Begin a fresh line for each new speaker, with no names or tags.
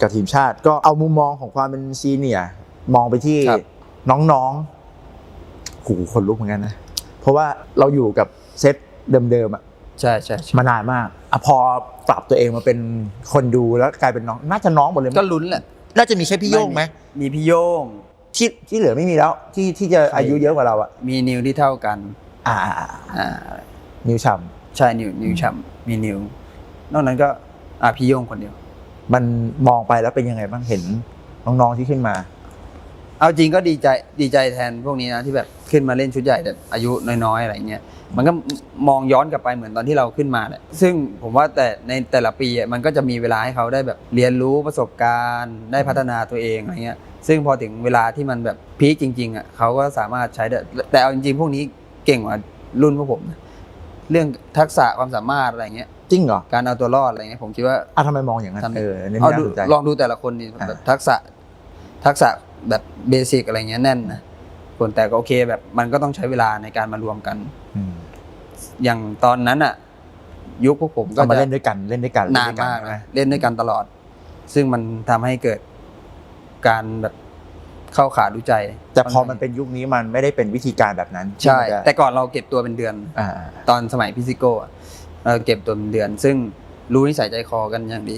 กับทีมชาติก็เอามุมมองของความเป็นซีเนียร์มองไปที่น้องๆหูคนลุกเหมือนกันนะเพราะว่าเราอยู่กับเซตเดิมๆอ่ะ
ใช่
มานานมากอ่ะพอปรับตัวเองมาเป็นคนดูแล้วกลายเป็นน้องน่าจะน้องหมดเลย
ก็ลุ้นแหละ
น่าจะมีแค่พี่โย่งไหม
มีพี่โย่ง
ที่เหลือไม่มีแล้วที่จะอายุเยอะกว่าเราอ่ะ
มีนิวที่เท่ากัน
นิวฉ่
ำใช่นิวฉ่ำมีนิวนอกนั้นก็พี่โย่งคนเดียว
มันมองไปแล้วเป็นยังไงบ้างเห็นน้องๆที่ขึ้นมา
เอาจริงก็ดีใจแทนพวกนี้นะที่แบบขึ้นมาเล่นชุดใหญ่แต่อายุน้อยๆอะไรเงี้ยมันก็มองย้อนกลับไปเหมือนตอนที่เราขึ้นมาแหละซึ่งผมว่าแต่ในแต่ละปีมันก็จะมีเวลาให้เขาได้แบบเรียนรู้ประสบการณ์ได้พัฒนาตัวเองอะไรเงี้ยซึ่งพอถึงเวลาที่มันแบบพีคจริงๆเขาก็สามารถใช้ได้แต่เอาจริงๆพวกนี้เก่งกว่ารุ่นพวกผมนะเรื่องทักษะความสามารถอะไรเงี้ย
จริงเหรอ
การเอาตัวรอดอะไรเงี้ยผมคิดว่า
ทำไมมองอย่างนั้น
ลองดูแต่ละคนนี่แบบทักษะแบบเบสิกอะไรเงี้ยแน่นนะคนแต่ก็โอเคแบบมันก็ต้องใช้เวลาในการมารวมกันอย่างตอนนั้นยุคพวกผมก็
มาเล่นด้วยกัน
นานมากนะเล่นด้วยกันตลอดซึ่งมันทำให้เกิดการแบบเข้าขารู้ใจ
แต่พอมันเป็นยุคนี้มันไม่ได้เป็นวิธีการแบบนั้น
ใช่แต่ก่อนเราเก็บตัวเป็นเดือนตอนสมัยพิซิโก้เราเก็บตัวเป็นเดือนซึ่งรู้นิสัยใจคอกันอย่างดี